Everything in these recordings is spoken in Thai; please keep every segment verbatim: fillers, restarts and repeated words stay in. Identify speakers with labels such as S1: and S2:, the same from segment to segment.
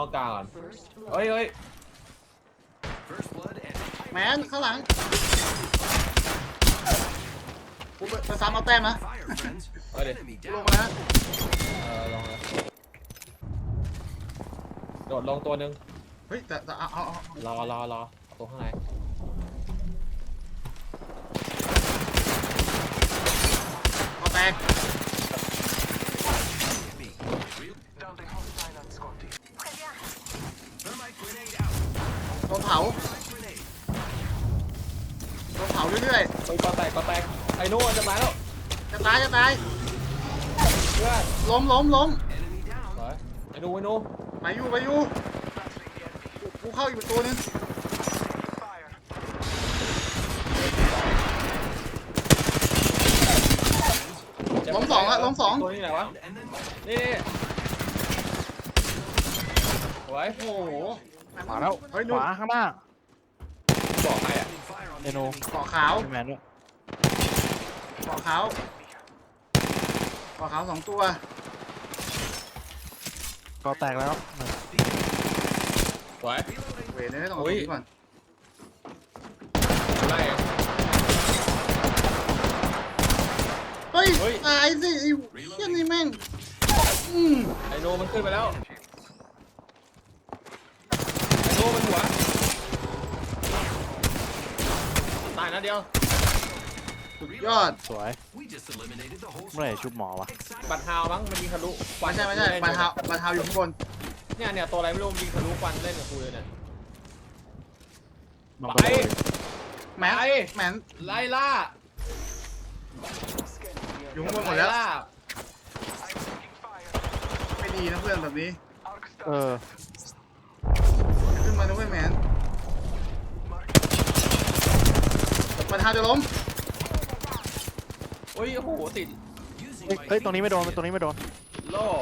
S1: ต้องกลางก่อนเฮ้ยเฮ้ย
S2: แมนข้างหลังกูไปซ้ำเอาแต้มนะ
S1: เฮ้ยดิ
S2: ลงมานะ
S1: เออลงเลยโดดลงตัวหนึ่ง
S2: เฮ้ยแต่แต่เอาเอา
S1: รอรอรอตัวข้างใน
S2: เอาแตกโดนเผาโดนเผาเรื่อย
S1: ๆเฮ้ยก็แตกก็แตกไอ้นู่นจะตายแล้ว
S2: ๆจะตายจะตาย
S1: เพื่อน
S2: ล้มล้มล้ม
S1: ไอ้นู่นไอ้นู่น
S2: ไปอยู่ไปอยู่กูเข้าอีกประตูนึงล้มสองอะล้มสอง
S1: ตัวนี้ไหนวะนี่โอ้ย
S2: โอ้โห
S3: ขวาแล้วขวาข้างหน้า
S1: บอกใครอ่ะ
S3: เดโน
S2: เกาะขาว
S3: แมนด้วย
S2: เกาะขาวเกาะขาวสองตัว
S3: ก็แตกแล้ว
S1: สวย
S2: เวทเนี่ยต้องเอาตัวก่อน
S1: ไล่
S2: เฮ้ยตายสิไอ้เหี้ยนี่แม่งอืม
S1: ไอโนมันขึ้นไปแล้วไอโนมันหัวตายนะเดียว
S2: สุดยอด
S3: สวยเมื่อไหร่ชุบหมอวะ
S1: บัตรฮาวมั้งมันยิงทะลุ
S2: ไม่ใช่ไม่ใช่บัตรฮาวบัตรฮาวอยู่ข้างบน
S1: เนี่ยเนี่ยตัวอะไรไม่รู้ยิงทะลุควันเล่นกับกูเลยเนี่ย
S3: ไป
S2: แมนแมน
S1: ไล่ล่า
S2: อยู่ข้างบนหมดแล้วไม่ดีนะเพื่อนแบบนี้
S3: เออ
S2: ขึ้นมาด้วยแมนบัตรฮาวจะล้ม
S1: โอ้ยโอ้โหติด
S3: เฮ้ยตรงนี้ไม่โดนตรงนี้ไม่โดน
S1: โล่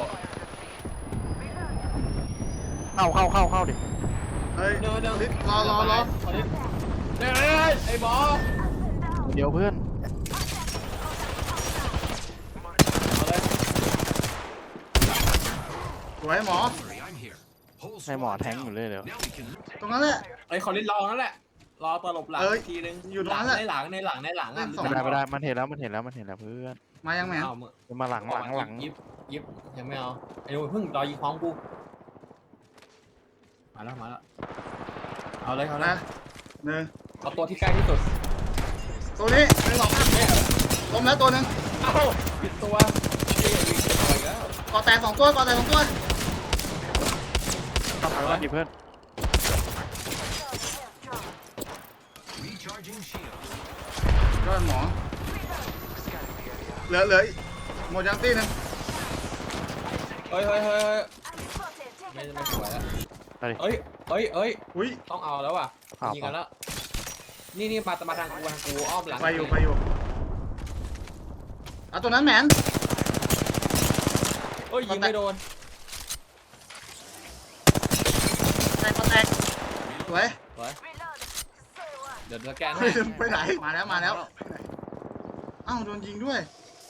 S3: เข้าเข้าเข้าเข้าดิ
S2: เฮ้ย
S1: เดี๋ยวเดี๋ยว
S2: รอรอรอ
S1: เดี๋ยวไอ้หมอ
S3: เดี๋ยวเพื่อน
S2: สวยหมอ
S3: ให้หมอแทงอยู่เลยเดี๋ยว
S2: ตรงนั้นแหละ
S1: ไอ้คอลินรอนั่นแหละรอตลบหลังทีนึง
S2: อยู่ตรงนั้นแหละ
S1: ในหลังในหลังในหลังอ่ะ
S3: ไม่ได้ไม่ได้มันเห็นแล้วมันเห็นแล้วมันเห็นแล้วเพื่อน
S2: มายังแมน
S3: มาหลังหลังหลัง
S1: ยิบยิบยังไม่เอาไอ้หนูเพิ่งรอยิงพร้อมกูมาแล้วมาแล้วเอาเลยเอาเลย
S2: หนึ่ง
S1: เอาตัวที่ใกล้ที่สุด
S2: ตัวนี้หนึ่งสองสามล้มแล้วตัวหนึ่ง
S1: เอ้าผิดตัว
S2: ก่อแตกสองตัวก่อแตกสองตัว
S3: ต้องไปว่าดิเพื่อน
S2: ยอดหมอเหลือเหลือหมดยังตีนึง
S1: เฮ้ยเฮ้ยเฮ้ยไม่ไม่สวยแล้วเฮ้ยเฮ้ยเฮ้ย
S2: อุ้ย
S1: ต้องเอาแล้วว่ะยิงกันแล้วนี่นี่มามาทางกูทางกูอ้อมหลัง
S2: ไปอยู่ไปอยู่เอาตัวนั้นแมน
S1: เฮ้ยยิงไม่โดน
S2: แตกแตกสวย
S1: สวยเดี๋ยวสแกน
S2: ไปไหนมาแล้วมาแล้วเอ้าโดนยิงด้วย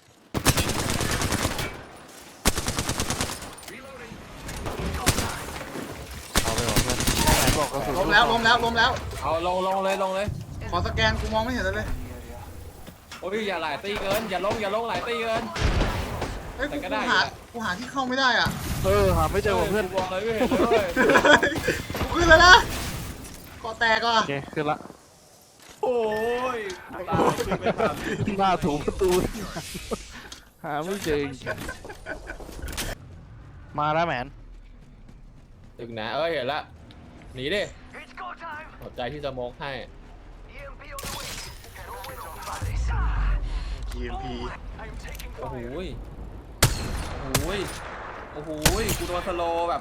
S3: เอาไปหรอเพื่อนไหนบอกกระสุน
S2: ล้มแล้วล้มแล้วล้มแล้ว
S1: เอาลงลงเลยลงเลย
S2: ขอสแกนกูมองไม่เห็นเลย
S1: โอ้ยอย่าหลายตีเกินอย่าลงอย่าลงหลายตีเกิน
S2: เฮ้ยกูหากูหาที่เข้าไม่ได้อ่ะ
S3: เออหาไม่เจอเพื่อน
S1: บอกเลยไม่เห็นเลย
S2: กูขึ้นแล้วนะก่อแตกอ่ะ
S3: โอเคขึ้นละ
S1: โอ้ยตาขึ้นไม่ทัน
S3: หน้าถูประตูหาไม่เจอมาแล้วแมน
S1: ถึงนะเอ้ยเห็นละหนีดิหัวใจที่จะมองให้
S2: ที เอ็ม พี
S1: โอ้โหโอ้โหโอ้โหกูโดนสโลแบบ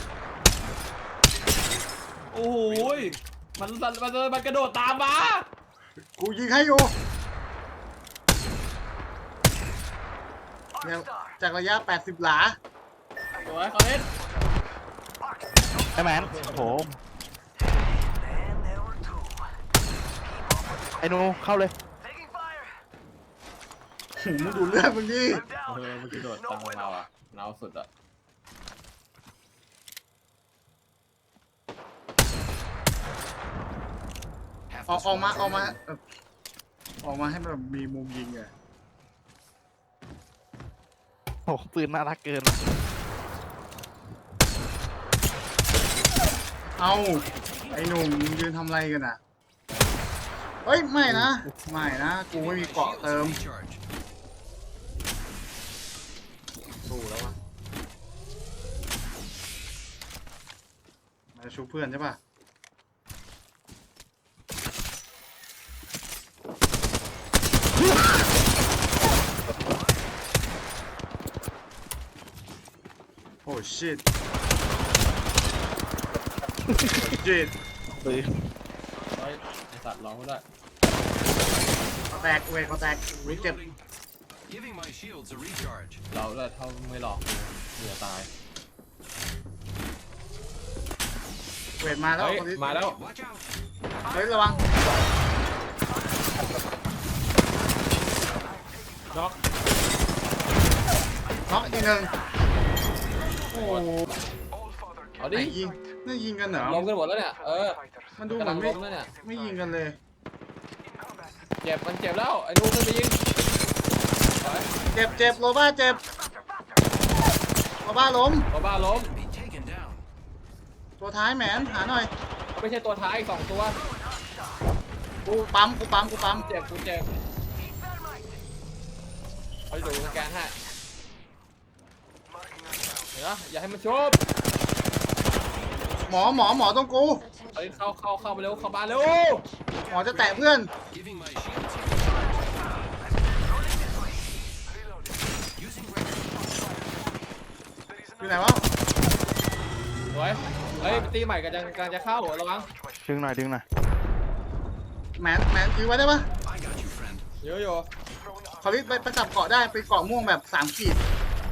S1: โอ้โหมันมันมันกระโดดตามมา
S2: กูยิงให้อยู่เนี่ยจากระยะแปดสิบหลา
S1: สวยคอนเทนต์
S3: ไอ้แมนโหไอ้หนูเข้าเลย
S2: มึงดูเลือดมึงดิ
S1: เออมันกระโดดตามเราอ่ะเราสุดอ่ะ
S2: ออกออกมาออกมาเอ่อออกมาให้แบบมีมุมยิงอะ
S3: โอ้ปืนน่ารักเกิน
S2: เอาไอ้หนุ่มมึงยืนทำอะไรกันอ่ะเฮ้ยไม่นะไม่นะกูไม่มีเกาะเติมสู้แล้ววะมาชูเพื่อนใช่ปะโอ้ชิตโอ้ชิต
S3: ปืน
S1: เฮ้ยไอสัตว์ร้องก็ได้
S2: แตกเวทเขาแตกรู้เจ็บ
S4: Giving my shields a recharge.
S1: เราเลยเท่าไม่หลอกเหลือตาย
S2: เวทมาแล้ว
S1: เฮ้ย
S2: คนนี้
S1: มาแล้ว
S4: Watch out.
S2: เฮ้ยระวัง
S1: น็อก
S2: น็อกอีกหนึ่งโอ้โห
S1: เอา
S2: ไหน
S1: ดิ
S2: ยิงนี่ยิงกันเหรอ
S1: ลงกันหมดแล้วเนี่ยเออ
S2: มันดูเห
S1: กำ
S2: มื
S1: ลั
S2: อง น
S1: ล
S2: ไม่
S1: งแล้วเนี่ย
S2: ไม่ยิงกันเลย
S1: เจ็บมันเจ็บแล้วไอ้นูมันไปยิงไป
S2: เจ็บเจ็บโรบ้าเจ็บโรบ้าล้ม
S1: บ้าบ้าล้ม
S4: Be taken down.
S2: ตัวท้ายแหมนหาหน่อย
S1: ไม่ใช่ตัวท้ายอีกสองตัว
S2: กูปั๊มกูปั๊มกูปั๊ม
S1: เจ็บกูเจ็บเอาอยู่สแกนให้เห็นปะอย่าให้มันชุบ
S2: หมอหมอหมอต้องกู
S1: เฮ้ยเข้าเข้าเข้าไปเร็วเข้าบ้านเร็ว
S2: หมอจะแตะเพื่อน
S4: Giving my shields a recharge. Using record.
S2: อยู่ไหนวะ
S1: สวยเฮ้ยตีใหม่กันจะกำลังจะเข้าระวัง
S3: ดึงหน่อยดึงหน่อย
S2: แหมนแหมนยื้อไว้ได้ปะ
S4: I got you, friend.
S1: เยอะอยู่
S2: ขอรีบไปไปจับเกาะได้ไปเกาะม่วงแบบสามขีด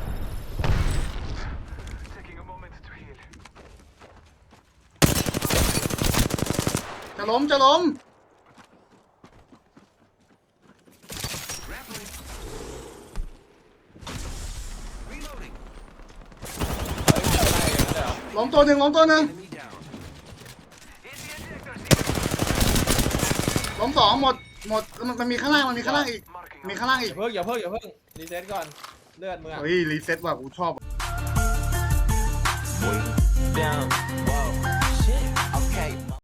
S2: จะล้มจะล้ม
S4: Grappling. Reloading.
S1: เฮ้ยจะไล่กันเหรอ
S2: ล้มตัวหนึ่งล้มตัวหนึ่ง
S4: Enemy down.
S2: ล้มสองหมดหมดมันมันมีข้างล่างมันมีข้างล่างอีกมีข้างล่าง
S1: อ
S2: อีก
S1: ย่าเพิ่งอย่าเพิ่งอย่าเพิ่งรีเซ็ตก่อนเลือดมึงอะ
S2: เฮ้ยรีเซ็ตว่ะกูชอบ
S5: down, whoa.